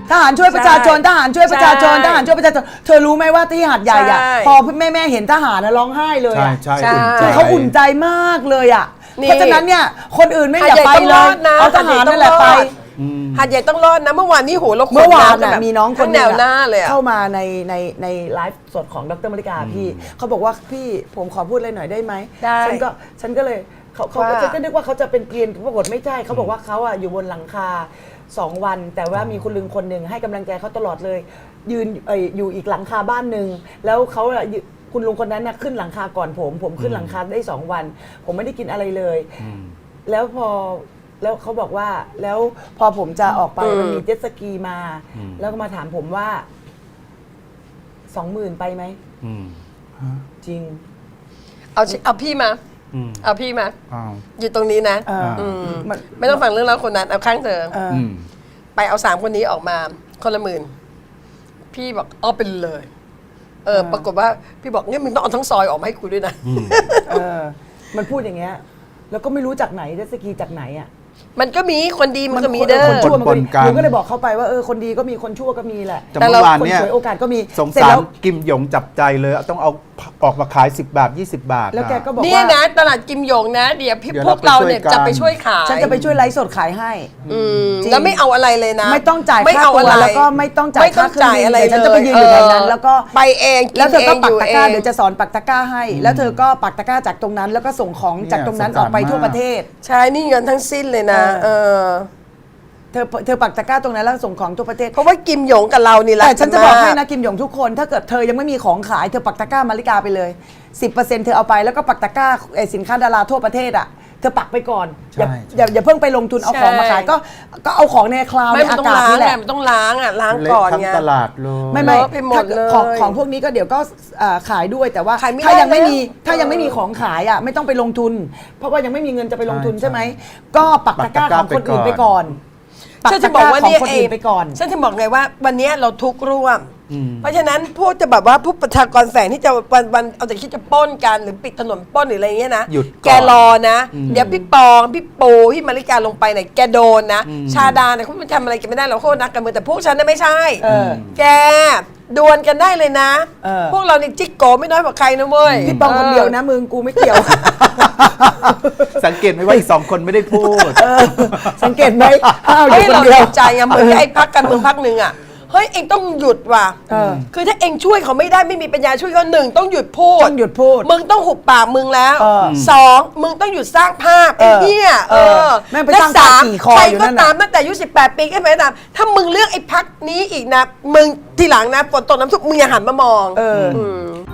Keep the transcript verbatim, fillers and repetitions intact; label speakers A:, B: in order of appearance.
A: ทหารช่วยประชาชนทหารช่วยประชาชนทหารช่วยประชาชนเธอรู้ไหมว่าที่หาดใหญ่อะพอแม่แม่เห็นทหารนะร้องไห้เลยอะ
B: ใช่ใช่
A: คือเขาอุ่นใจมากเลยอะเพราะฉะนั้นเนี่ยคนอื่นไม่อยากไปเลยเอาทหารนั่นแหละไป
C: หาดใหญ่ต้องรอดนะเมื่อวานนี้โหเราขน
A: เมื่อวาน
C: ำ
A: น่ะมีน้องคน
C: แนวหน้าเลยอะ
A: เข้ามาในในในไลฟ์สดของดรมริกาพี่เขาบอกว่าพี่ผมขอพูดอะไรหน่อยได้ไหม
C: ได้
A: ฉันก็ฉันก็เลยเขาเขา
C: ว่า
A: ฉันก็นึกว่าเขาจะเป็นเกรียนปรากฏไม่ใช่เขาบอกว่าเขาอะอยู่บนหลังคาสองวัน แต่ว่ามีคุณลุงคนหนึ่งให้กำลังใจเขาตลอดเลย ยืนเอ่ยอยู่อีกหลังคาบ้านหนึ่งแล้วเขาอะยืคุณลุงคนนั้นน่ะขึ้นหลังคาก่อนผม ผมขึ้นหลังคาได้สองวัน ผมไม่ได้กินอะไรเลย แล้วพอแล้วเขาบอกว่าแล้วพอผมจะออกไปมันมีเจ็ตสกีมา แล้วก็มาถามผมว่าสองหมื่นไปไหมจริง
C: เอาชิเอาพี่มาเอาพี่มา
B: อ้าว
C: อยู่ตรงนี้นะ
A: เอออื
C: ม
A: มัน
C: ไม่ต้องฟังเรื่องราวคนนั้นเอาข้างเธอ
A: เออ
B: อืม
C: ไปเอาสามคนนี้ออกมาคนละหมื่นพี่บอกเอาไปเลย เออ ปรากฏว่าพี่บอกเนี่ยมึงต้องเอาทั้งซอยออกมาให้กูด้วยนะ
A: เออ มันพูดอย่างเงี้ย แล้วก็ไม่รู้จากไหนเจ็ตสกีจากไหนอ่ะ
C: มันก็มีคนดีมันก็มีเด้
A: คน
C: อ
A: ชั่วมันก็มี
B: ปนๆกัน
A: หนูก็เลยบอกเขาไปว่าเออคนดีก็มีคนชั่วก็มีแหละ
B: แต่
C: แต่
B: เมื่
C: เรา
B: อวาน
A: คน
B: เนี่ย
A: ฉวยโอกาสก็มี
B: สง
A: เสร็จ
B: สาร
A: แล้ว
B: กิมหยงจับใจเลยต้องเอาออกมาขาย สิบบาท ยี่สิบบาท
A: แล้วแกก็บอก
C: เนี่ย
A: ว่า
C: นะตลาดกิมหยงนะ เดี๋ยวพี่
B: เดี๋ยว
C: พวกเราเนี่ย
B: เรา
C: จะ
B: ไป
C: ไป
B: ช่
C: ช่
B: ว
C: วย ย
B: กัน
C: ขาย
A: ฉันจะไปช่วยไลฟ์สดขายให้
C: อืม
A: จริง
C: แล้วไม่เอาอะไรเลยนะ
A: ไม่ต้องจ่าย
C: ไม่
A: ค่า
C: เอา
A: ตัว
C: อะไร
A: แล้วก็ไม่ต้องจ่าย
C: ไม่ต้อง
A: ค่าเครื่อง
C: จ่าย
A: บิน
C: อะไร
A: เดี๋ยวฉันจะไปยืนอยู่แถวนั้น แล้วก็
C: ไปเองกิน
A: แล้วเธอก็
C: เอง
A: ปัก
C: อยู่
A: ตะกร้า
C: เอง
A: เดี๋ยวจะสอนปักตะกร้าให้ แล้วเธอก็ปักตะกร้าจากตรงนั้น แล้วก็ส่งของจากตรงนั้น
B: เนี่ย
A: ออกไป
B: สงสาร
A: ทั่ว
B: มาก
A: ประเทศ
C: ใช่นี่เงินทั้งสิ้นเลยนะ
A: เอ
C: เออ
A: เธอเธอปักตะกร้าตรงนั้นแล้วส่งของทั่วประเทศ
C: เพราะว่ากิมหยงกับเรานี่แหละ
A: แต่ฉันจะบอกให้นะกิมหยงทุกคน ถ้าเกิดเธอยังไม่มีของขายเธอปักตะกร้ามาริกาไปเลย สิบเปอร์เซ็นต์ เธอเอาไปแล้วก็ปักตะกร้าไอ้สินค้าดาราทั่วประเทศอ่ะเธอปักไปก่อนอย่า
B: ใช่
A: อย่าอย่าเพิ่งไปลงทุนเอาของมาขายก็ก็เอาของในคลาว
C: ไม่
A: ใน
C: มัน
A: อา
C: ต้อง
A: กาศ
C: ล้าง
A: นี่แห
C: ไง
A: ละ
C: มันต้องล้างอ่ะล้าง
B: เละ
C: ก่อน
B: ทั้ง
C: ไง
B: ตลาดเลย
A: ไม่ไม่
C: เลอะไปหมด
A: ถ้า
C: เลย
A: ของของพวกนี้ก็เดี๋ยวก็เอ่อขายด้วยแต่ว่า
C: ขายไม่
A: ถ้า
C: ได้
A: ยังไม่มี
C: แล้ว
A: ถ้ายังไม่มีของขายอ่ะไม่ต้องไปลงทุน เพราะว่ายังไม่มีเงินจะไปลงทุนใช่ไหมก็ปักตะกร้าของคนอื่นไปก่อนปัก
C: ฉัน
A: ตะ
C: จะ
A: ก
C: บอก
A: ร้า
C: ว่า
A: ของ
C: เนี่ย
A: คน
C: เอ
A: อื่
C: ง
A: นไปก่อน
C: ฉันจะบอกไงว่าวันนี้เราทุกข์ร่วม เพราะฉะนั้นพวกจะแบบว่าผู้ประชากรแฝงที่จะวันวันเอาแต่คิดจะปล้นกันหรือปิดถนนปล้นหรืออะไรเงี้ยนะ
B: หยุดก่อน
C: แกรอนะ เดี๋ยวพี่ปองพี่ปูพี่มาริกาลงไปเนี่ยแกโดนนะ ชาดาเนี่ยเขาไม่ทำอะไรกันไม่ได้หรอกโคตรนักการเมืองแต่พวกฉันน่ะไม่ใช่
A: เออ
C: แกดวลกันได้เลยนะ
A: เออ
C: พวกเรานี่จิกโกไม่น้อยกว่าใครนะเว้ย
A: พี่ปองคนเดียวนะมึงกูไม่เกี่ยว
B: สังเกตไหมว่าอีกสองคนไม่ได้พูด
A: สังเกตไหมอ้าวอ
C: เฮ้
A: ยู่
C: ย
A: คน
C: เรา
A: เดียว
C: เห็นใจไงเหมือนไอ้พักการเมืองพักหนึ่งอ่ะเฮ้ยเองต้องหยุดว่ะ
A: เออ
C: คือถ้าเองช่วยเขาไม่ได้ไม่มีปัญญาช่วยเขาหนึ่งต้องหยุดพูด
A: ต้องหยุดพูด
C: มึงต้องหุบปากมึงแล้ว
A: เออ
C: สองมึงต้องหยุดสร้างภาพไอ้
A: เออ
C: เนี่ยเอ
A: เออ
C: อ
A: แม่งไป
C: และ
A: สร้าง
C: สาม
A: ภาพขี่คอ
C: ใคร
A: อยู่
C: ก็
A: นั่นน่ะ
C: ตามตั้งแต่อายุสิบแปดปีขึ้นไปก็ตามถ้ามึงเลือกไอ้พักนี้อีกนะมึงทีหลังนะฝนตกน้ำท่วมมึงอย่าหันมามอง
A: เออ
C: อืม